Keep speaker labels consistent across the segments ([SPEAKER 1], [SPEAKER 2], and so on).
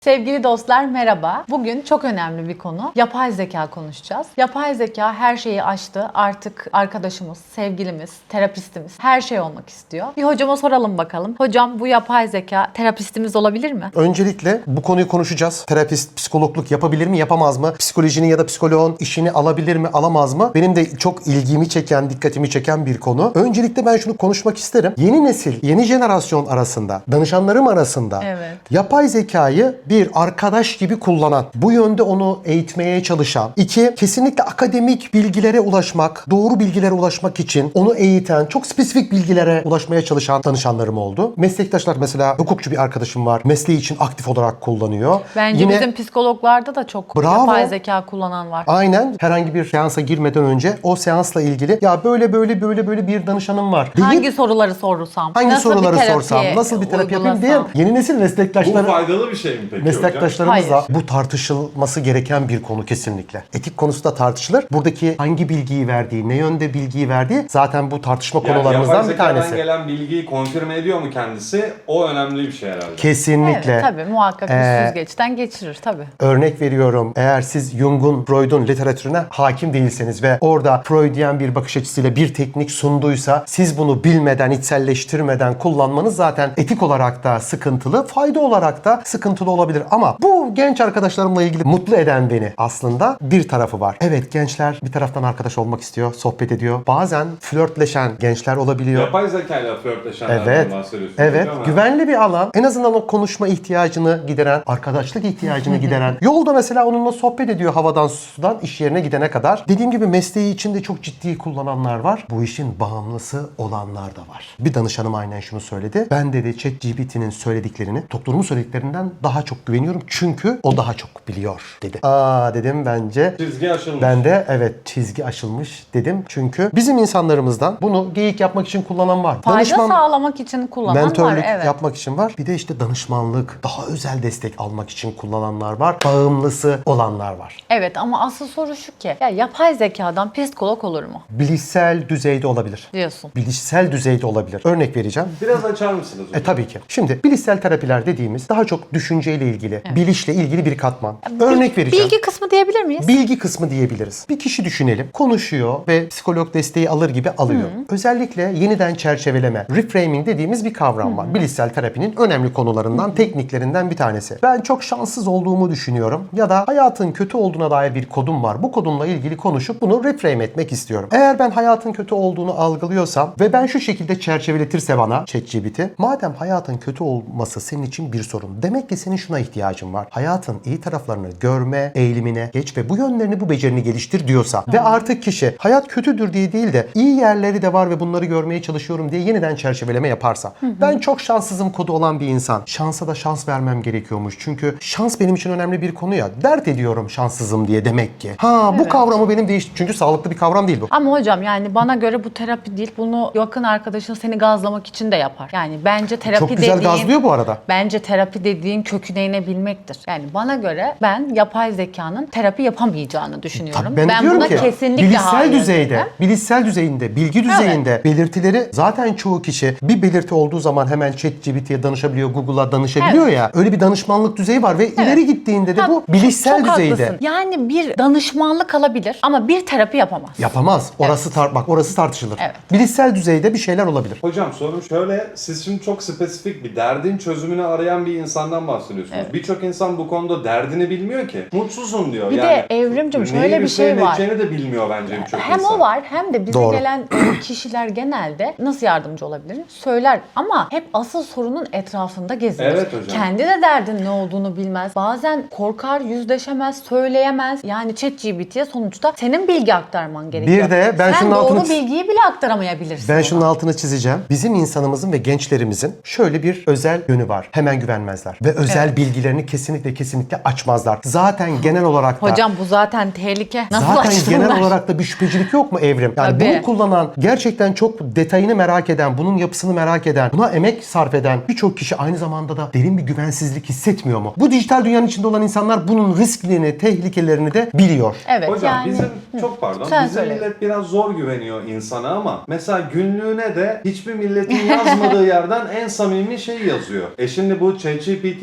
[SPEAKER 1] Sevgili dostlar merhaba. Bugün çok önemli bir konu. Yapay zeka konuşacağız. Yapay zeka her şeyi aştı. Artık arkadaşımız, sevgilimiz, terapistimiz her şey olmak istiyor. Bir hocama soralım bakalım. Hocam bu yapay zeka terapistimiz olabilir mi?
[SPEAKER 2] Öncelikle bu konuyu konuşacağız. Terapist, psikologluk yapabilir mi, yapamaz mı? Psikolojinin ya da psikoloğun işini alabilir mi, alamaz mı? Benim de çok ilgimi çeken, dikkatimi çeken bir konu. Öncelikle ben şunu konuşmak isterim. Yeni nesil, yeni jenerasyon arasında, danışanlarım arasında
[SPEAKER 1] Evet.
[SPEAKER 2] yapay zekayı bir arkadaş gibi kullanan, bu yönde onu eğitmeye çalışan, iki, kesinlikle akademik bilgilere ulaşmak, doğru bilgilere ulaşmak için onu eğiten, çok spesifik bilgilere ulaşmaya çalışan danışanlarım oldu. Meslektaşlar, mesela hukukçu bir arkadaşım var. Mesleği için aktif olarak kullanıyor.
[SPEAKER 1] Bence bizim psikologlarda da çok
[SPEAKER 2] Bravo.
[SPEAKER 1] yapay zeka kullanan var.
[SPEAKER 2] Aynen, herhangi bir seansa girmeden önce o seansla ilgili ya böyle bir danışanım var deyip
[SPEAKER 1] Hangi soruları sorsam?
[SPEAKER 2] hangi
[SPEAKER 1] nasıl
[SPEAKER 2] soruları
[SPEAKER 1] bir terapi
[SPEAKER 2] sorsam, nasıl bir terapi yapayım
[SPEAKER 1] uygulasam?
[SPEAKER 2] diye yeni nesil
[SPEAKER 3] Bu
[SPEAKER 2] meslektaşları
[SPEAKER 3] faydalı bir şey mi peki hocam?
[SPEAKER 2] meslektaşlarımızla
[SPEAKER 1] Hayır.
[SPEAKER 2] bu tartışılması gereken bir konu kesinlikle. Etik konusu da tartışılır. Buradaki hangi bilgiyi verdiği, ne yönde bilgiyi verdiği zaten bu tartışma
[SPEAKER 3] Yani
[SPEAKER 2] konularımızdan
[SPEAKER 3] yapay
[SPEAKER 2] bir
[SPEAKER 3] zekadan
[SPEAKER 2] tanesi.
[SPEAKER 3] gelen bilgiyi konfirme ediyor mu kendisi? O önemli bir şey herhalde.
[SPEAKER 2] Kesinlikle.
[SPEAKER 1] Evet, tabii muhakkak bir süzgeçten geçirir tabii.
[SPEAKER 2] Örnek veriyorum. Eğer siz Jung'un, Freud'un literatürüne hakim değilseniz ve orada Freudian bir bakış açısıyla bir teknik sunduysa siz bunu bilmeden, içselleştirmeden kullanmanız zaten etik olarak da sıkıntılı, fayda olarak da sıkıntılı olabilir. Ama bu genç arkadaşlarımla ilgili mutlu eden beni aslında bir tarafı var. Evet, gençler bir taraftan arkadaş olmak istiyor, sohbet ediyor. Bazen flörtleşen gençler olabiliyor.
[SPEAKER 3] Yapay zekayla flörtleşenlerden
[SPEAKER 2] Evet.
[SPEAKER 3] bahsediyorsunuz
[SPEAKER 2] Evet.
[SPEAKER 3] hocam.
[SPEAKER 2] Güvenli bir alan. En azından o konuşma ihtiyacını gideren, arkadaşlık ihtiyacını gideren. Yolda mesela onunla sohbet ediyor havadan sudan iş yerine gidene kadar. Dediğim gibi mesleği içinde çok ciddi kullananlar var. Bu işin bağımlısı olanlar da var. Bir danışanım aynen şunu söyledi. Ben dedi ChatGPT'nin söylediklerini doktorumun söylediklerinden daha çok güveniyorum. Çünkü o daha çok biliyor dedi. Aa dedim, bence
[SPEAKER 3] Çizgi aşılmış.
[SPEAKER 2] ben de evet, çizgi aşılmış dedim. Çünkü bizim insanlarımızdan bunu geyik yapmak için kullanan var.
[SPEAKER 1] Fayda sağlamak için kullanan
[SPEAKER 2] mentörlük
[SPEAKER 1] var. Evet.
[SPEAKER 2] yapmak için var. Bir de işte danışmanlık, daha özel destek almak için kullananlar var. Bağımlısı olanlar var.
[SPEAKER 1] Evet ama asıl soru şu ki ya yapay zekadan psikolog olur mu
[SPEAKER 2] Bilişsel düzeyde olabilir.
[SPEAKER 1] diyorsun.
[SPEAKER 2] Bilişsel düzeyde olabilir. Örnek vereceğim.
[SPEAKER 3] Biraz açar mısınız hocam?
[SPEAKER 2] Tabii ki. Şimdi bilişsel terapiler dediğimiz daha çok düşünceyle ilgili, bilişle ilgili bir katman. Örnek vereceğim.
[SPEAKER 1] Bilgi kısmı diyebilir miyiz?
[SPEAKER 2] Bilgi kısmı diyebiliriz. Bir kişi düşünelim. Konuşuyor ve psikolog desteği alır gibi alıyor. Özellikle yeniden çerçeveleme, reframing dediğimiz bir kavram var. Bilişsel terapinin önemli konularından, tekniklerinden bir tanesi. Ben çok şanssız olduğumu düşünüyorum ya da hayatın kötü olduğuna dair bir kodum var. Bu kodumla ilgili konuşup bunu reframe etmek istiyorum. Eğer ben hayatın kötü olduğunu algılıyorsam ve ben şu şekilde çerçeveletirse bana ChatGPT, madem hayatın kötü olması senin için bir sorun, demek ki senin şuna ihtiyacın var. Hayatın iyi taraflarını görme eğilimine geç ve bu yönlerini, bu becerini geliştir diyorsa ve artık kişi hayat kötüdür diye değil de iyi yerleri de var ve bunları görmeye çalışıyorum diye yeniden çerçeveleme yaparsa, ben çok şanssızım kodu olan bir insan, şansa da şans vermem gerekiyormuş. Çünkü şans benim için önemli bir konu ya. Dert ediyorum şanssızım diye demek ki. Bu kavramı benim değişti. Çünkü sağlıklı bir kavram değil bu.
[SPEAKER 1] Ama hocam yani bana göre bu terapi değil. Bunu yakın arkadaşın seni gazlamak için de yapar. Yani bence terapi
[SPEAKER 2] Çok güzel
[SPEAKER 1] dediğin...
[SPEAKER 2] gazlıyor bu arada.
[SPEAKER 1] Bence terapi dediğin köküne inebilmektir. Yani bana göre ben yapay zekanın terapi yapamayacağını düşünüyorum.
[SPEAKER 2] Tabii ben diyorum
[SPEAKER 1] buna
[SPEAKER 2] ki
[SPEAKER 1] kesinlikle
[SPEAKER 2] bilişsel
[SPEAKER 1] hayır
[SPEAKER 2] düzeyde,
[SPEAKER 1] derim.
[SPEAKER 2] bilişsel düzeyinde, bilgi düzeyinde belirtileri zaten çoğu kişi bir belirti olduğu zaman hemen ChatGPT'ye danışabiliyor, Google'a danışabiliyor ya. Öyle bir danışmanlık düzeyi var ve ileri gittiğinde de bu bilişsel
[SPEAKER 1] Çok
[SPEAKER 2] düzeyde.
[SPEAKER 1] haklısın. Yani bir danışmanlık alabilir ama bir terapi yapamaz.
[SPEAKER 2] Yapamaz. Orası bak, orası tartışılır.
[SPEAKER 1] Evet.
[SPEAKER 2] Bilişsel düzeyde bir şeyler olabilir.
[SPEAKER 3] Hocam sorum şöyle, siz şimdi çok spesifik bir derdin çözümünü arayan bir insandan bahsediyorsunuz.
[SPEAKER 1] Evet.
[SPEAKER 3] Birçok insan bu konuda derdini bilmiyor ki. Mutsuzum diyor.
[SPEAKER 1] Bir de Evrimcim şöyle bir şey var.
[SPEAKER 3] Neyi de bilmiyor bence birçok
[SPEAKER 1] Hem
[SPEAKER 3] insan.
[SPEAKER 1] o var hem de bize
[SPEAKER 2] Doğru.
[SPEAKER 1] gelen kişiler genelde nasıl yardımcı olabilirim söyler ama hep asıl sorunun etrafında gezinir.
[SPEAKER 3] Evet hocam.
[SPEAKER 1] Kendi de derdin ne olduğunu bilmez. Bazen korkar, yüzleşemez, söyleyemez. Yani ChatGPT'ye sonuçta senin bilgi aktarman gerekiyor.
[SPEAKER 2] Bir de ben
[SPEAKER 1] sen
[SPEAKER 2] şunun
[SPEAKER 1] doğru
[SPEAKER 2] altını-
[SPEAKER 1] bilgiyi bile aktaramayabilirsin.
[SPEAKER 2] Ben
[SPEAKER 1] ona.
[SPEAKER 2] şunun altını çizeceğim. Bizim insanımızın ve gençlerimizin şöyle bir özel yönü var. Hemen güvenmezler. Ve özel bilgilerini kesinlikle açmazlar. Zaten genel olarak da
[SPEAKER 1] Hocam bu zaten tehlike. Nasıl
[SPEAKER 2] zaten
[SPEAKER 1] açtın
[SPEAKER 2] genel
[SPEAKER 1] ben?
[SPEAKER 2] olarak da bir şüphecilik yok mu Evrim? Yani
[SPEAKER 1] Tabii.
[SPEAKER 2] bunu kullanan, gerçekten çok detayını merak eden, bunun yapısını merak eden, buna emek sarf eden birçok kişi aynı zamanda da derin bir güvensizlik hissetmiyor mu? Bu dijital dünyanın içinde olan insanlar bunun risklerini, tehlikelerini de biliyor.
[SPEAKER 1] Evet
[SPEAKER 3] Hocam
[SPEAKER 1] yani.
[SPEAKER 3] bizim çok pardon.
[SPEAKER 1] Sen
[SPEAKER 3] Bizim
[SPEAKER 1] söyle.
[SPEAKER 3] millet biraz zor güveniyor insana ama mesela günlüğüne de hiçbir milletin yazmadığı yerden en samimi şey yazıyor. Şimdi bu ChatGPT ile günlük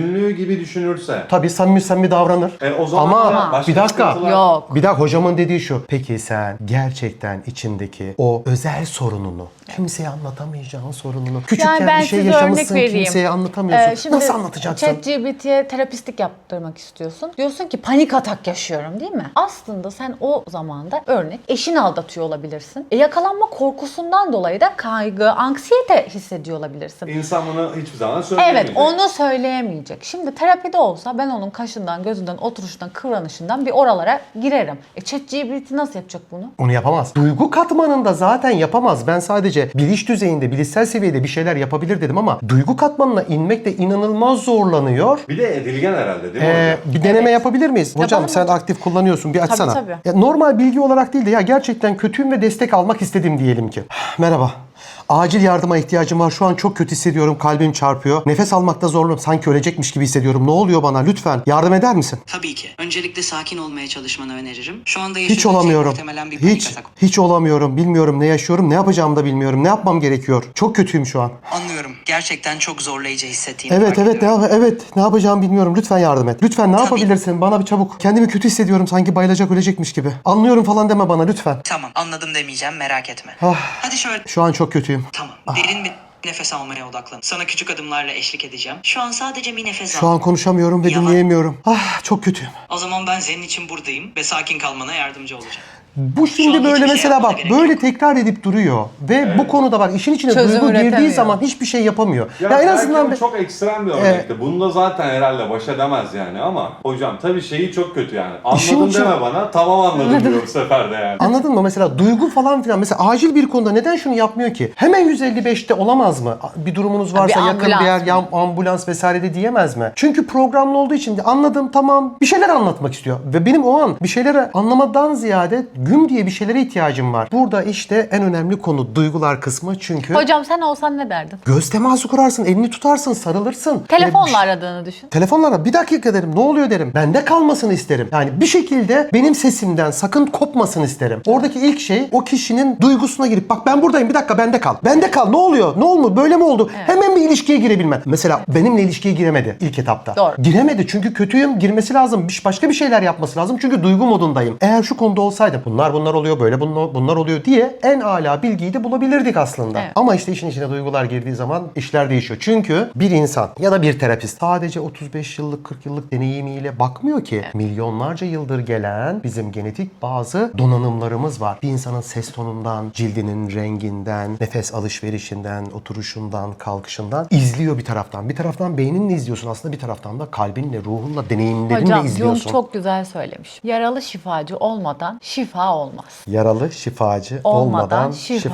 [SPEAKER 3] ünlü gibi düşünürse.
[SPEAKER 2] Tabii samimi davranır.
[SPEAKER 3] O zaman
[SPEAKER 2] Ama
[SPEAKER 3] da başka
[SPEAKER 2] bir dakika.
[SPEAKER 3] sıkıntılar-
[SPEAKER 1] Yok.
[SPEAKER 2] Bir dakika, hocamın dediği şu. Peki sen gerçekten içindeki o özel sorununu, kimseye anlatamayacağın sorununu, küçükken
[SPEAKER 1] Yani ben
[SPEAKER 2] bir şey
[SPEAKER 1] size
[SPEAKER 2] yaşamışsın,
[SPEAKER 1] örnek vereyim.
[SPEAKER 2] kimseye anlatamıyorsun.
[SPEAKER 1] Şimdi
[SPEAKER 2] Nasıl anlatacaksın?
[SPEAKER 1] ChatGPT'ye terapistlik yaptırmak istiyorsun. Diyorsun ki panik atak yaşıyorum değil mi? Aslında sen o zamanda örnek eşini aldatıyor olabilirsin. Yakalanma korkusundan dolayı da kaygı, anksiyete hissediyor olabilirsin.
[SPEAKER 3] İnsan bunu hiçbir zaman söyleyemeyecek.
[SPEAKER 1] Evet, onu söyleyemeyecek. Şimdi terapide olsa ben onun kaşından, gözünden, oturuşundan, kıvranışından bir oralara girerim. ChatGPT nasıl yapacak bunu?
[SPEAKER 2] Onu yapamaz. Duygu katmanında zaten yapamaz. Ben sadece bilinç düzeyinde, bilişsel seviyede bir şeyler yapabilir dedim ama duygu katmanına inmek de inanılmaz zorlanıyor.
[SPEAKER 3] Bir de edilgen herhalde değil mi hocam?
[SPEAKER 2] Bir deneme yapabilir miyiz? Hocam
[SPEAKER 1] Yapalım
[SPEAKER 2] sen
[SPEAKER 1] hocam.
[SPEAKER 2] aktif kullanıyorsun. Bir açsana.
[SPEAKER 1] tabii.
[SPEAKER 2] Ya, normal bilgi olarak değil de ya gerçekten kötüyüm ve destek almak istedim diyelim ki. Merhaba. Acil yardıma ihtiyacım var. Şu an çok kötü hissediyorum. Kalbim çarpıyor. Nefes almakta zorlanıyorum. Sanki ölecekmiş gibi hissediyorum. Ne oluyor bana? Lütfen yardım eder misin?
[SPEAKER 4] Tabii ki. Öncelikle sakin olmaya çalışmanı öneririm. Şu anda
[SPEAKER 2] Hiç
[SPEAKER 4] yaşadığın şey
[SPEAKER 2] olamıyorum.
[SPEAKER 4] muhtemelen bir panik
[SPEAKER 2] Hiç
[SPEAKER 4] atak.
[SPEAKER 2] hiç olamıyorum. Bilmiyorum ne yaşıyorum. Ne yapacağımı da bilmiyorum. Ne yapmam gerekiyor? Çok kötüyüm şu an.
[SPEAKER 4] Anlıyorum. Gerçekten çok zorlayıcı hissettiğini
[SPEAKER 2] Evet
[SPEAKER 4] fark ediyorum.
[SPEAKER 2] ne yapacağımı bilmiyorum. Lütfen yardım et. Lütfen ne
[SPEAKER 4] Tabii.
[SPEAKER 2] yapabilirsin? Bana bir çabuk. Kendimi kötü hissediyorum. Sanki bayılacak ölecekmiş gibi. Anlıyorum falan deme bana lütfen.
[SPEAKER 4] Tamam, anladım demeyeceğim, merak etme.
[SPEAKER 2] Ah.
[SPEAKER 4] Hadi şöyle.
[SPEAKER 2] Şu an çok kötüyüm.
[SPEAKER 4] Tamam. Derin bir nefes almaya odaklan. Sana küçük adımlarla eşlik edeceğim. Şu an sadece bir nefes
[SPEAKER 2] Şu
[SPEAKER 4] al.
[SPEAKER 2] an konuşamıyorum ve
[SPEAKER 4] Yalan.
[SPEAKER 2] dinleyemiyorum. Ah, çok kötüyüm.
[SPEAKER 4] O zaman ben senin için buradayım ve sakin kalmana yardımcı olacağım.
[SPEAKER 2] Bu
[SPEAKER 4] Şu
[SPEAKER 2] şimdi
[SPEAKER 4] an
[SPEAKER 2] böyle
[SPEAKER 4] hiçbir şey
[SPEAKER 2] mesela
[SPEAKER 4] yapmana
[SPEAKER 2] bak
[SPEAKER 4] gerek
[SPEAKER 2] böyle
[SPEAKER 4] yok.
[SPEAKER 2] tekrar edip duruyor ve bu konuda bak işin içine
[SPEAKER 1] Çözüm
[SPEAKER 2] duygu girdiği
[SPEAKER 1] üretemiyor.
[SPEAKER 2] zaman hiçbir şey yapamıyor.
[SPEAKER 3] Ya
[SPEAKER 2] en
[SPEAKER 3] belki
[SPEAKER 2] azından
[SPEAKER 3] o çok ekstrem bir örnekti. Bunda zaten herhalde baş edemez yani ama hocam tabii şeyi çok kötü yani.
[SPEAKER 2] İşin
[SPEAKER 3] Anladım
[SPEAKER 2] içi-
[SPEAKER 3] deme bana, tamam anladım diyor bu sefer de yani.
[SPEAKER 2] anladın mı? Mesela duygu falan filan. Mesela acil bir konuda neden şunu yapmıyor ki? Hemen 155'te olamaz mı? Bir durumunuz varsa
[SPEAKER 1] Bir
[SPEAKER 2] yakın
[SPEAKER 1] ambulans
[SPEAKER 2] bir yer,
[SPEAKER 1] mı?
[SPEAKER 2] ya ambulans vesaire de diyemez mi? Çünkü programlı olduğu için de anladım tamam bir şeyler anlatmak istiyor. Ve benim o an bir şeyleri anlamadan ziyade güm diye bir şeylere ihtiyacım var. Burada işte en önemli konu duygular kısmı çünkü
[SPEAKER 1] Hocam sen olsan ne derdin?
[SPEAKER 2] göz teması kurarsın, elini tutarsın, sarılırsın.
[SPEAKER 1] Telefonla aradığını düşün.
[SPEAKER 2] Telefonlara bir dakika derim, ne oluyor derim. Bende kalmasını isterim. Yani bir şekilde benim sesimden sakın kopmasını isterim. Oradaki ilk şey o kişinin duygusuna girip bak ben buradayım bir dakika bende kal. Bende kal ne oluyor? Ne oldu? Böyle mi oldu? Hemen bir ilişkiye girebilmen. Mesela benimle ilişkiye giremedi ilk etapta.
[SPEAKER 1] Doğru.
[SPEAKER 2] Giremedi çünkü kötüyüm. Girmesi lazım. Başka bir şeyler yapması lazım. Çünkü duygu modundayım. Eğer şu konuda olsaydım bunlar oluyor böyle bunlar oluyor diye en âlâ bilgiyi de bulabilirdik aslında.
[SPEAKER 1] Evet.
[SPEAKER 2] Ama işte işin içine duygular girdiği zaman işler değişiyor. Çünkü bir insan ya da bir terapist sadece 35 yıllık 40 yıllık deneyimiyle bakmıyor ki. Milyonlarca yıldır gelen bizim genetik bazı donanımlarımız var. Bir insanın ses tonundan, cildinin renginden, nefes alışverişinden, oturuşundan, kalkışından izliyor bir taraftan. Bir taraftan beyninle izliyorsun aslında bir taraftan da kalbinle, ruhunla, deneyimlerinle
[SPEAKER 1] Hocam Jung
[SPEAKER 2] izliyorsun.
[SPEAKER 1] çok güzel söylemiş. Yaralı şifacı olmadan şifa olmaz.
[SPEAKER 2] Yaralı şifacı olmadan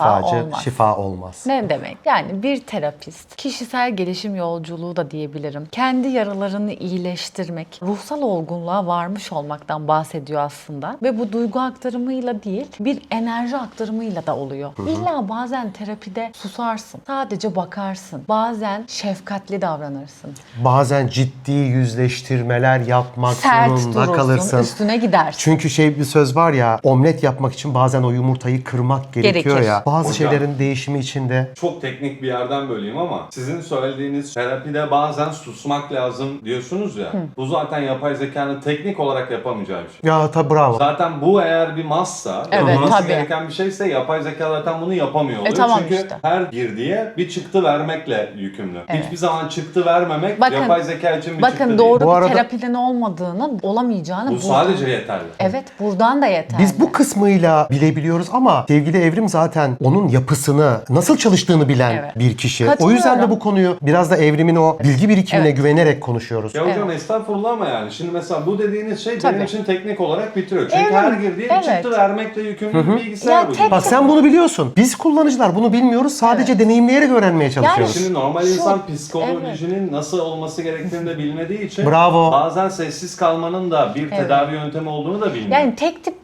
[SPEAKER 2] şifa olmaz.
[SPEAKER 1] Ne demek? Yani bir terapist, kişisel gelişim yolculuğu da diyebilirim. Kendi yaralarını iyileştirmek, ruhsal olgunluğa varmış olmaktan bahsediyor aslında. Ve bu duygu aktarımıyla değil, bir enerji aktarımıyla da oluyor. İlla bazen terapide susarsın, sadece bakarsın. Bazen şefkatli davranırsın.
[SPEAKER 2] Bazen ciddi yüzleştirmeler yapmak
[SPEAKER 1] Sert
[SPEAKER 2] zorunda
[SPEAKER 1] durursun,
[SPEAKER 2] kalırsın.
[SPEAKER 1] üstüne gidersin.
[SPEAKER 2] Çünkü bir söz var ya, omlet yapmak için bazen o yumurtayı kırmak gerekiyor
[SPEAKER 1] Gerekir.
[SPEAKER 2] ya. Bazı
[SPEAKER 3] Hocam.
[SPEAKER 2] şeylerin değişimi içinde.
[SPEAKER 3] Çok teknik bir yerden böleyim ama sizin söylediğiniz terapide bazen susmak lazım diyorsunuz ya. Bu zaten yapay zekanın teknik olarak yapamayacağı bir şey.
[SPEAKER 2] Ya tabi bravo.
[SPEAKER 3] Zaten bu eğer bir massa,
[SPEAKER 1] Evet,
[SPEAKER 3] yapılması
[SPEAKER 1] tabii.
[SPEAKER 3] gereken bir şeyse yapay zeka zaten bunu yapamıyor oluyor.
[SPEAKER 1] Tamam
[SPEAKER 3] Çünkü
[SPEAKER 1] işte.
[SPEAKER 3] her girdiye bir çıktı vermekle yükümlü.
[SPEAKER 1] Evet.
[SPEAKER 3] Hiçbir zaman çıktı vermemek
[SPEAKER 1] Bakın-
[SPEAKER 3] yapay zeka için bir çıktı
[SPEAKER 1] Bakın
[SPEAKER 3] değil.
[SPEAKER 1] doğru
[SPEAKER 2] Bu
[SPEAKER 1] bir
[SPEAKER 2] arada-
[SPEAKER 1] terapiden olmadığını, olamayacağını
[SPEAKER 3] Bu
[SPEAKER 1] buradan-
[SPEAKER 3] sadece yeterli.
[SPEAKER 1] Evet, buradan da yeterli.
[SPEAKER 2] Biz bu kısmıyla bilebiliyoruz ama sevgili Evrim zaten onun yapısını, nasıl çalıştığını bilen
[SPEAKER 1] Evet.
[SPEAKER 2] bir kişi. O
[SPEAKER 1] Katılıyorum.
[SPEAKER 2] yüzden de bu konuyu biraz da Evrim'in o bilgi birikimine
[SPEAKER 1] Evet.
[SPEAKER 2] güvenerek konuşuyoruz.
[SPEAKER 3] Ya hocam estağfurullah ama yani şimdi mesela bu dediğiniz şey
[SPEAKER 1] Tabii.
[SPEAKER 3] benim için teknik olarak bitiriyor. Çünkü
[SPEAKER 1] Evet,
[SPEAKER 3] her girdiği bir
[SPEAKER 1] evet.
[SPEAKER 3] çıktı vermekle yükümlü bir bilgisayar
[SPEAKER 1] Ya
[SPEAKER 3] bu.
[SPEAKER 1] tek-
[SPEAKER 2] Bak sen bunu biliyorsun. Biz kullanıcılar bunu bilmiyoruz. Sadece deneyimleyerek öğrenmeye çalışıyoruz.
[SPEAKER 3] Şimdi normal
[SPEAKER 1] Şu-
[SPEAKER 3] insan psikolojinin nasıl olması gerektiğini de bilmediği için
[SPEAKER 2] Bravo.
[SPEAKER 3] bazen sessiz kalmanın da bir tedavi yöntemi olduğunu da bilmiyor.
[SPEAKER 1] Yani tek tip bir terapi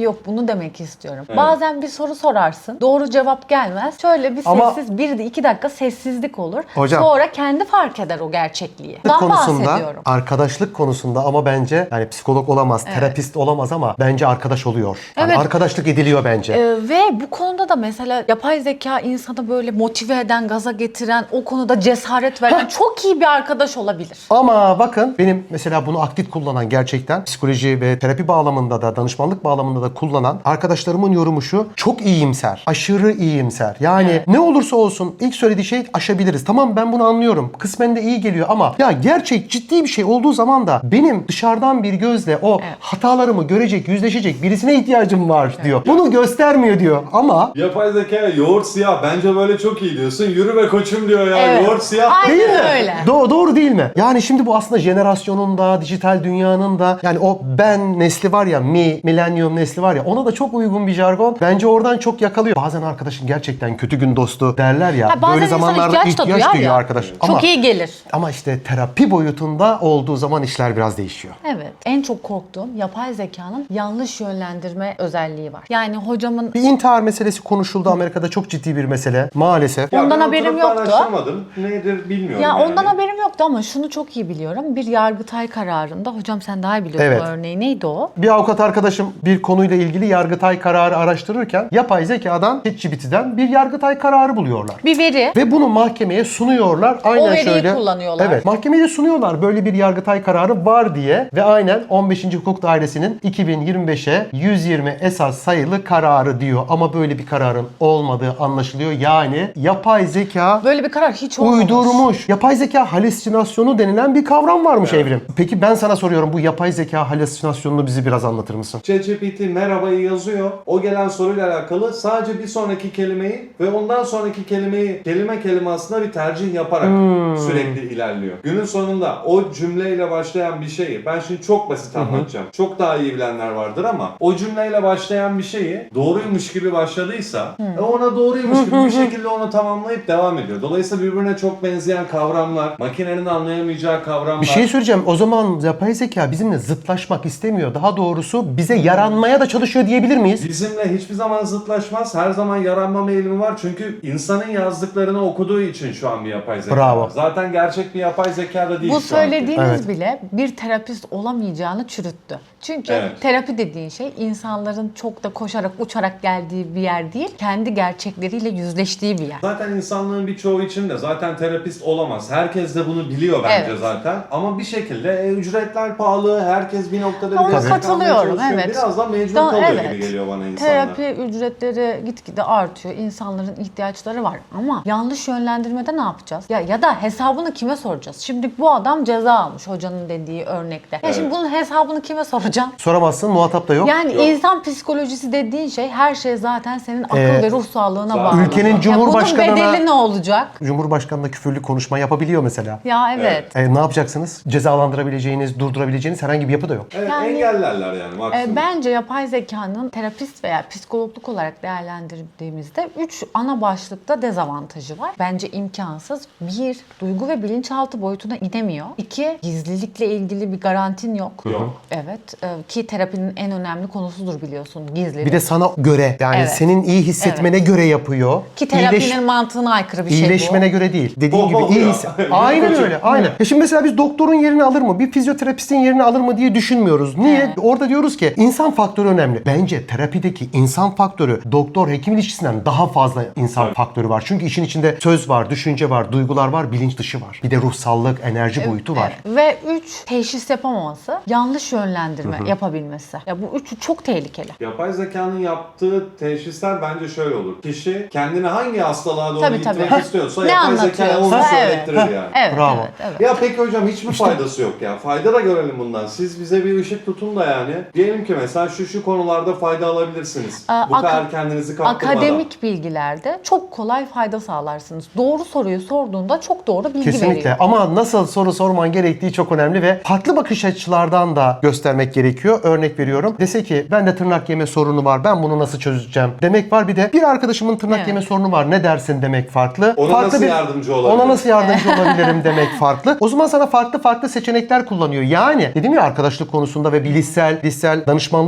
[SPEAKER 1] terapi yok, bunu demek istiyorum. Bazen bir soru sorarsın, doğru cevap gelmez. Şöyle bir
[SPEAKER 2] Ama-
[SPEAKER 1] sessiz, 1-2 dakika sessizlik olur.
[SPEAKER 2] Hocam-
[SPEAKER 1] Sonra kendi fark eder o gerçekliği. Bundan
[SPEAKER 2] konusunda,
[SPEAKER 1] bahsediyorum.
[SPEAKER 2] arkadaşlık konusunda ama bence yani psikolog olamaz, terapist olamaz ama bence arkadaş oluyor. Yani
[SPEAKER 1] Evet.
[SPEAKER 2] arkadaşlık ediliyor bence.
[SPEAKER 1] Ve bu konuda da mesela yapay zeka insanı böyle motive eden, gaza getiren, o konuda cesaret veren çok iyi bir arkadaş olabilir.
[SPEAKER 2] Ama bakın benim mesela bunu aktif kullanan gerçekten psikoloji ve terapi bağlamında da danışmanlık bağlamında da kullanan arkadaşlarımın yorumu şu: çok iyimser. Aşırı iyimser. Yani ne olursa olsun ilk söylediği şey aşabiliriz. Tamam, ben bunu anlıyorum. Kısmen de iyi geliyor ama ya gerçek ciddi bir şey olduğu zaman da benim dışarıdan bir gözle o hatalarımı görecek, yüzleşecek birisine ihtiyacım var diyor. Bunu göstermiyor diyor ama
[SPEAKER 3] Yapay zeka yoğurt siyah. Bence böyle çok iyi diyorsun. Yürü be koçum diyor ya.
[SPEAKER 1] Evet.
[SPEAKER 3] Yoğurt siyah.
[SPEAKER 1] Aynen
[SPEAKER 2] değil mi?
[SPEAKER 1] öyle.
[SPEAKER 2] Doğru değil mi? Yani şimdi bu aslında jenerasyonun da, dijital dünyanın da, yani o ben nesli var ya, millennium nesli var ya, ona da çok uygun bir jargon. Bence oradan çok yakalıyor. Bazen arkadaşın gerçekten kötü gün dostu derler ya.
[SPEAKER 1] Ha, bazen
[SPEAKER 2] böyle
[SPEAKER 1] insan
[SPEAKER 2] zamanlarda
[SPEAKER 1] ihtiyaç da
[SPEAKER 2] ihtiyaç
[SPEAKER 1] duyar
[SPEAKER 2] duyuyor
[SPEAKER 1] ya.
[SPEAKER 2] arkadaş.
[SPEAKER 1] Çok iyi gelir.
[SPEAKER 2] Ama işte terapi boyutunda olduğu zaman işler biraz değişiyor.
[SPEAKER 1] Evet. En çok korktuğum yapay zekanın yanlış yönlendirme özelliği var. Yani hocamın
[SPEAKER 2] Bir intihar meselesi konuşuldu Amerika'da, çok ciddi bir mesele maalesef.
[SPEAKER 3] Ya
[SPEAKER 1] Ondan
[SPEAKER 3] ben
[SPEAKER 1] haberim
[SPEAKER 3] oturup da
[SPEAKER 1] yoktu.
[SPEAKER 3] araştırmadım. Nedir bilmiyorum.
[SPEAKER 1] ya
[SPEAKER 3] yani.
[SPEAKER 1] ondan haberim yoktu ama şunu çok iyi biliyorum. Bir Yargıtay kararında, hocam sen daha iyi biliyorsun
[SPEAKER 2] Evet.
[SPEAKER 1] o örneği, neydi o?
[SPEAKER 2] Bir avukat arkadaşım bir konuyla ilgili Yargıtay kararı araştırırken yapay zekadan, ChatGPT'den bir Yargıtay kararı buluyorlar.
[SPEAKER 1] Bir veri.
[SPEAKER 2] Ve bunu mahkemeye sunuyorlar. Aynen
[SPEAKER 1] O veriyi
[SPEAKER 2] şöyle.
[SPEAKER 1] kullanıyorlar.
[SPEAKER 2] Evet. Mahkemeye de sunuyorlar böyle bir Yargıtay kararı var diye ve aynen 15. Hukuk Dairesi'nin 2025'e 120 esas sayılı kararı diyor. Ama böyle bir kararın olmadığı anlaşılıyor. Yani yapay zeka
[SPEAKER 1] Böyle bir karar hiç olmamış.
[SPEAKER 2] uydurmuş. Yapay zeka halüsinasyonu denilen bir kavram varmış Evrim. Peki ben sana soruyorum, bu yapay zeka halüsinasyonunu bizi biraz anlatır mısın?
[SPEAKER 3] ChatGPT merhabayı yazıyor. O gelen soruyla alakalı sadece bir sonraki kelimeyi ve ondan sonraki kelimeyi kelime kelime aslında bir tercih yaparak sürekli ilerliyor. Günün sonunda o cümleyle başlayan bir şeyi, ben şimdi çok basit anlatacağım. Çok daha iyi bilenler vardır ama o cümleyle başlayan bir şeyi doğruymuş gibi başladıysa ona doğruymuş gibi bir şekilde onu tamamlayıp devam ediyor. Dolayısıyla birbirine çok benzeyen kavramlar, makinenin anlayamayacağı kavramlar.
[SPEAKER 2] Bir şey söyleyeceğim. O zaman yapay zeka bizimle zıtlaşmak istemiyor. Daha doğrusu bize yaranmaya da çalışıyor diyebilir miyiz?
[SPEAKER 3] Bizimle hiçbir zaman zıtlaşmaz. Her zaman yaranma eğilimi var. Çünkü insanın yazdıklarını okuduğu için şu an bir yapay zeka
[SPEAKER 2] Bravo.
[SPEAKER 3] var. Zaten gerçek bir yapay zeka da değil
[SPEAKER 1] Bu
[SPEAKER 3] şu anki.
[SPEAKER 1] söylediğiniz
[SPEAKER 2] Evet.
[SPEAKER 1] bile bir terapist olamayacağını çürüttü. Çünkü
[SPEAKER 3] Evet.
[SPEAKER 1] terapi dediğin şey insanların çok da koşarak uçarak geldiği bir yer değil, kendi gerçekleriyle yüzleştiği bir yer.
[SPEAKER 3] Zaten insanlığın birçoğu için de zaten terapist olamaz. Herkes de bunu biliyor bence
[SPEAKER 1] Evet.
[SPEAKER 3] zaten. Ama bir şekilde ücretler pahalı. Herkes bir noktada
[SPEAKER 1] Ona
[SPEAKER 3] destek almaya
[SPEAKER 1] katılıyorum,
[SPEAKER 3] çalışıyor.
[SPEAKER 1] evet.
[SPEAKER 3] Biraz da mecbur kalıyor
[SPEAKER 1] Evet.
[SPEAKER 3] gibi geliyor bana insanlar.
[SPEAKER 1] Terapi ücretleri gitgide artıyor. İnsanların ihtiyaçları var. Ama yanlış yönlendirmede ne yapacağız? Ya da hesabını kime soracağız? Şimdi bu adam ceza almış hocanın dediği örnekte. Ya şimdi bunun hesabını kime soracaksın?
[SPEAKER 2] Soramazsın, muhatap da yok.
[SPEAKER 1] Yani
[SPEAKER 3] Yok.
[SPEAKER 1] insan psikolojisi dediğin şey, her şey zaten senin akıl ve ruh sağlığına
[SPEAKER 3] zaten
[SPEAKER 1] bağlı.
[SPEAKER 2] ülkenin
[SPEAKER 1] Ya
[SPEAKER 2] Cumhurbaşkanına-
[SPEAKER 1] bunun bedeli ne olacak?
[SPEAKER 2] Cumhurbaşkanı küfürlü konuşma yapabiliyor mesela.
[SPEAKER 1] Ya evet.
[SPEAKER 2] Ne yapacaksınız? Cezalandırabileceğiniz, durdurabileceğiniz herhangi bir yapı da yok.
[SPEAKER 3] Evet,
[SPEAKER 1] Yani-
[SPEAKER 3] engellerler yani maksimum.
[SPEAKER 1] Bence yapay zekanın terapist veya psikologluk olarak değerlendirdiğimizde 3 ana başlıkta dezavantajı var. Bence imkansız. 1. Duygu ve bilinçaltı boyutuna inemiyor. 2. Gizlilikle ilgili bir garantin yok.
[SPEAKER 3] Yok.
[SPEAKER 1] Evet. Ki terapinin en önemli konusudur biliyorsun, gizlilik.
[SPEAKER 2] Bir de sana göre, yani
[SPEAKER 1] Evet.
[SPEAKER 2] senin iyi hissetmene göre yapıyor.
[SPEAKER 1] Ki terapinin
[SPEAKER 2] İyileş-
[SPEAKER 1] mantığına aykırı bir şey bu.
[SPEAKER 2] İyileşmene göre değil. Dediğin gibi iyi
[SPEAKER 3] ya.
[SPEAKER 2] Aynen
[SPEAKER 3] Çok-
[SPEAKER 2] öyle. Aynen. Ya şimdi mesela biz doktorun yerini alır mı? Bir fizyoterapistin yerini alır mı diye düşünmüyoruz. Niye?
[SPEAKER 1] Evet.
[SPEAKER 2] Orada diyoruz ki insan faktörü önemli. Bence terapideki insan faktörü doktor hekim ilişkisinden daha fazla insan
[SPEAKER 3] Tabii.
[SPEAKER 2] faktörü var. Çünkü işin içinde söz var, düşünce var, duygular var, bilinç dışı var. Bir de ruhsallık, enerji boyutu var.
[SPEAKER 1] Evet. Ve 3. Teşhis yapamaması, yanlış yönlendirme yapabilmesi. Ya bu üçü çok tehlikeli.
[SPEAKER 3] Yapay zekanın yaptığı teşhisler bence şöyle olur. Kişi kendini hangi hastalığa doğru
[SPEAKER 1] Tabii,
[SPEAKER 3] gitmek
[SPEAKER 1] tabii.
[SPEAKER 3] istiyorsa
[SPEAKER 1] Ne
[SPEAKER 3] yapay zekaya onu
[SPEAKER 1] anlatıyorsa, evet.
[SPEAKER 3] söylettirir yani.
[SPEAKER 1] Evet,
[SPEAKER 2] Bravo.
[SPEAKER 1] evet, evet.
[SPEAKER 3] Ya peki hocam hiç mi faydası yok ya? Fayda da görelim bundan. Siz bize bir ışık tutun da yani. Diyelim ki mesela şu konularda fayda alabilirsiniz. Bu kadar kendinizi kaptırmadan.
[SPEAKER 1] Akademik bilgilerde çok kolay fayda sağlarsınız. Doğru soruyu sorduğunda çok doğru bilgi
[SPEAKER 2] Kesinlikle.
[SPEAKER 1] veriyor.
[SPEAKER 2] Ama nasıl soru sorman gerektiği çok önemli ve farklı bakış açılardan da göstermek gerekiyor. Örnek veriyorum. Dese ki ben de tırnak yeme sorunu var. Ben bunu nasıl çözeceğim demek var. Bir de bir arkadaşımın tırnak
[SPEAKER 1] Evet.
[SPEAKER 2] yeme sorunu var. Ne dersin demek farklı.
[SPEAKER 3] Ona
[SPEAKER 2] Farklı
[SPEAKER 3] nasıl yardımcı olabilirim?
[SPEAKER 2] Ona nasıl yardımcı olabilirim demek farklı. O zaman sana farklı seçenekler kullanıyor. Yani dedim ya, arkadaşlık konusunda ve bilişsel danışmanlık konusunda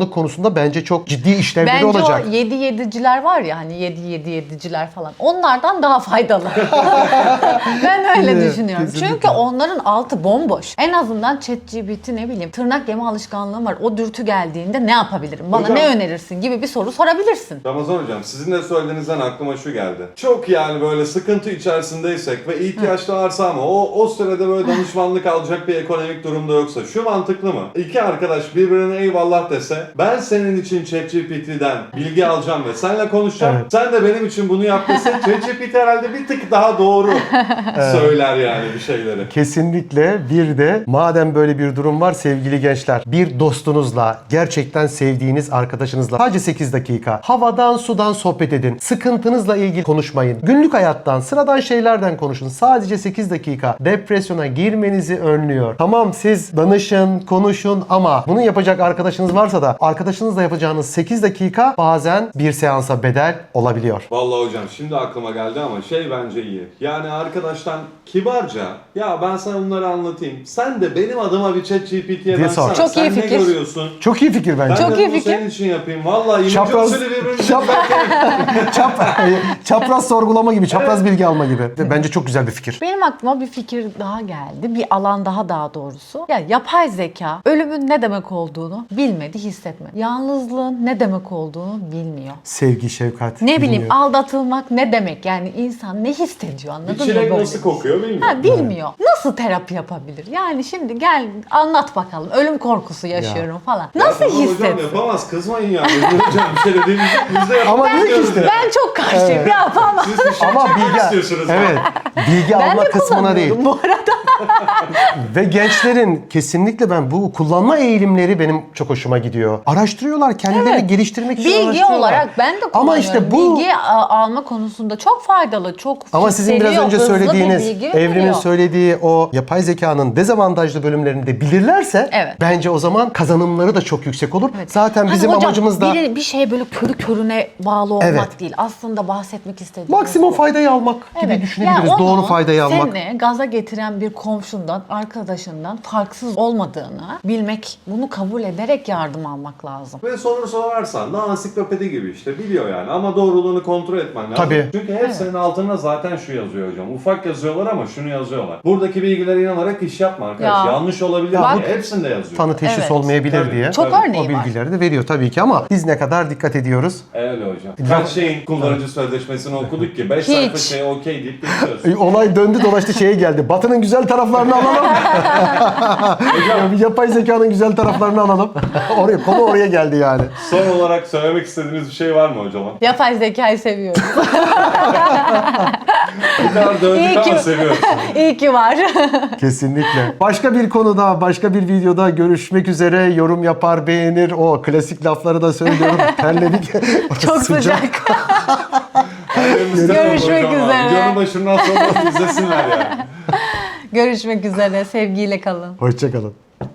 [SPEAKER 2] konusunda bence çok ciddi işlevleri
[SPEAKER 1] Bence
[SPEAKER 2] olacak.
[SPEAKER 1] o 7-7'ciler var ya hani 7-7-7'ciler falan. Onlardan daha faydalı. Ben öyle
[SPEAKER 2] Evet,
[SPEAKER 1] düşünüyorum.
[SPEAKER 2] kesinlikle.
[SPEAKER 1] Çünkü onların altı bomboş. En azından ChatGPT ne bileyim tırnak yeme alışkanlığım var. O dürtü geldiğinde ne yapabilirim? Bana
[SPEAKER 3] Hocam-
[SPEAKER 1] ne önerirsin gibi bir soru sorabilirsin.
[SPEAKER 3] Ramazan hocam sizin de söylediğinizden aklıma şu geldi. Çok yani böyle sıkıntı içerisindeysek ve ihtiyaçlı varsa ama o sırada böyle danışmanlık alacak bir ekonomik durumda yoksa şu mantıklı mı? İki arkadaş birbirine eyvallah dese ben senin için ChatGPT'den bilgi alacağım ve seninle konuşacağım.
[SPEAKER 2] Evet.
[SPEAKER 3] Sen de benim için bunu yap dese ChatGPT herhalde bir tık daha doğru söyler yani bir şeyleri.
[SPEAKER 2] Kesinlikle. Bir de madem böyle bir durum var sevgili gençler, bir dostunuzla, gerçekten sevdiğiniz arkadaşınızla sadece 8 dakika havadan sudan sohbet edin. Sıkıntınızla ilgili konuşmayın. Günlük hayattan, sıradan şeylerden konuşun. Sadece 8 dakika depresyona girmenizi önlüyor. Tamam siz danışın, konuşun ama bunu yapacak arkadaşınız varsa da arkadaşınızla yapacağınız 8 dakika bazen bir seansa bedel olabiliyor.
[SPEAKER 3] Vallahi hocam şimdi aklıma geldi ama şey bence iyi. Yani arkadaştan kibarca ya ben sana bunları anlatayım. Sen de benim adıma bir ChatGPT'ye
[SPEAKER 2] Diye
[SPEAKER 3] baksana.
[SPEAKER 2] sor.
[SPEAKER 1] Çok
[SPEAKER 3] Sen
[SPEAKER 1] iyi
[SPEAKER 3] ne
[SPEAKER 1] fikir.
[SPEAKER 3] görüyorsun?
[SPEAKER 2] Çok iyi fikir bence.
[SPEAKER 3] Ben
[SPEAKER 1] Çok
[SPEAKER 3] de
[SPEAKER 1] iyi
[SPEAKER 3] bunu
[SPEAKER 1] fikir.
[SPEAKER 3] senin için yapayım. Vallahi imece
[SPEAKER 2] Çapraz-
[SPEAKER 3] usulü birbirimize
[SPEAKER 2] Çapraz sorgulama gibi, çapraz bilgi alma gibi. Bence çok güzel bir fikir.
[SPEAKER 1] Benim aklıma bir fikir daha geldi. Bir alan daha doğrusu. Ya yapay zeka ölümün ne demek olduğunu bilmedi, hissetmedi. Yalnızlığın ne demek olduğunu bilmiyor.
[SPEAKER 2] Sevgi, şefkat.
[SPEAKER 1] Ne bileyim
[SPEAKER 2] bilmiyor.
[SPEAKER 1] aldatılmak ne demek? Yani insan ne hissediyor anladın
[SPEAKER 3] bir
[SPEAKER 1] mı?
[SPEAKER 3] çilek
[SPEAKER 1] böyle
[SPEAKER 3] nasıl
[SPEAKER 1] bir şey?
[SPEAKER 3] kokuyor bilmiyorum.
[SPEAKER 1] Ha, bilmiyor. Nasıl terapi yapabilir? Yani şimdi gel anlat bakalım. Ölüm korkusu yaşıyorum falan.
[SPEAKER 3] Ya
[SPEAKER 1] Nasıl
[SPEAKER 3] tamam hocam
[SPEAKER 1] hissetsin?
[SPEAKER 3] yapamaz kızmayın yani. Hocam bir şey dediğimiz biz de
[SPEAKER 2] Ama
[SPEAKER 3] yapamaz
[SPEAKER 2] diyor ki işte.
[SPEAKER 1] Ben çok karşıyım. Yapamam.
[SPEAKER 3] Siz bir şey
[SPEAKER 2] Ama
[SPEAKER 3] çekmek
[SPEAKER 2] bilgi,
[SPEAKER 3] istiyorsunuz.
[SPEAKER 2] evet, bilgi
[SPEAKER 1] Ben
[SPEAKER 2] alma
[SPEAKER 1] de
[SPEAKER 2] kısmına değil.
[SPEAKER 1] kullanıyorum bu arada.
[SPEAKER 2] Ve gençlerin kesinlikle ben bu kullanma eğilimleri benim çok hoşuma gidiyor. Araştırıyorlar, kendilerini
[SPEAKER 1] Evet.
[SPEAKER 2] geliştirmek için
[SPEAKER 1] Bilgi
[SPEAKER 2] araştırıyorlar.
[SPEAKER 1] olarak ben de kullanıyorum.
[SPEAKER 2] Ama işte bu
[SPEAKER 1] Bilgi alma konusunda çok faydalı, çok
[SPEAKER 2] ama sizin biraz
[SPEAKER 1] hissediyor,
[SPEAKER 2] önce
[SPEAKER 1] hızlı bir
[SPEAKER 2] söylediğiniz,
[SPEAKER 1] bilgi
[SPEAKER 2] Evrim'in
[SPEAKER 1] veriyor.
[SPEAKER 2] söylediği o yapay zekanın dezavantajlı bölümlerini de bilirlerse
[SPEAKER 1] Evet.
[SPEAKER 2] bence o zaman kazanımları da çok yüksek olur.
[SPEAKER 1] Evet.
[SPEAKER 2] Zaten
[SPEAKER 1] Hani
[SPEAKER 2] bizim
[SPEAKER 1] hocam,
[SPEAKER 2] amacımız da
[SPEAKER 1] bir şey böyle körü körüne bağlı olmak
[SPEAKER 2] Evet.
[SPEAKER 1] değil. Aslında bahsetmek istediğimiz
[SPEAKER 2] maksimum
[SPEAKER 1] bu.
[SPEAKER 2] faydayı almak gibi düşünebiliriz.
[SPEAKER 1] Yani onu
[SPEAKER 2] Doğru faydayı almak.
[SPEAKER 1] Seni gaza getiren bir komşundan, arkadaşından farksız olmadığını bilmek, bunu kabul ederek yardım almak lazım.
[SPEAKER 3] Ve soru sorarsan da ansiklopedi gibi işte biliyor yani ama doğruluğunu kontrol etmen lazım.
[SPEAKER 2] Tabii.
[SPEAKER 3] Çünkü hepsinin altında zaten şu yazıyor hocam. Ufak yazıyorlar ama şunu yazıyorlar. Buradaki bilgilere inanarak iş yapma arkadaş.
[SPEAKER 1] Ya.
[SPEAKER 3] Yanlış olabilir.
[SPEAKER 1] Bak-
[SPEAKER 3] diye. Hepsinde yazıyor.
[SPEAKER 2] Tanı teşhis
[SPEAKER 1] Evet.
[SPEAKER 2] olmayabilir
[SPEAKER 3] Tabii.
[SPEAKER 2] diye.
[SPEAKER 1] Çok
[SPEAKER 3] Tabii.
[SPEAKER 1] örneği
[SPEAKER 2] O
[SPEAKER 1] var.
[SPEAKER 2] bilgileri de veriyor tabii ki ama biz ne kadar dikkat ediyoruz.
[SPEAKER 3] Öyle hocam. Kaç şeyin kullanıcı sözleşmesini okuduk ki 5
[SPEAKER 1] Hiç.
[SPEAKER 3] sayfa şey okey deyip geçiyoruz.
[SPEAKER 2] Olay döndü dolaştı şeye geldi. Batı'nın güzel taraflarını alalım. Yapay zekanın güzel taraflarını alalım. Konu oraya geldi yani.
[SPEAKER 3] Son olarak söylemek istediğiniz bir şey var mı hocam?
[SPEAKER 1] Yapay zekayı seviyoruz.
[SPEAKER 3] Bu kadar döndük
[SPEAKER 1] İyi
[SPEAKER 3] ama
[SPEAKER 1] ki-
[SPEAKER 3] seviyoruz.
[SPEAKER 1] İyi ki var.
[SPEAKER 2] Kesinlikle. Başka bir konuda, başka bir videoda görüşmek üzere. Yorum yapar, beğenir. O klasik lafları da söylüyorum. Terledik.
[SPEAKER 1] Çok sıcak. Görüşmek üzere.
[SPEAKER 3] Videonun başından sonra izlesinler yani.
[SPEAKER 1] Görüşmek üzere. Sevgiyle kalın.
[SPEAKER 2] Hoşçakalın.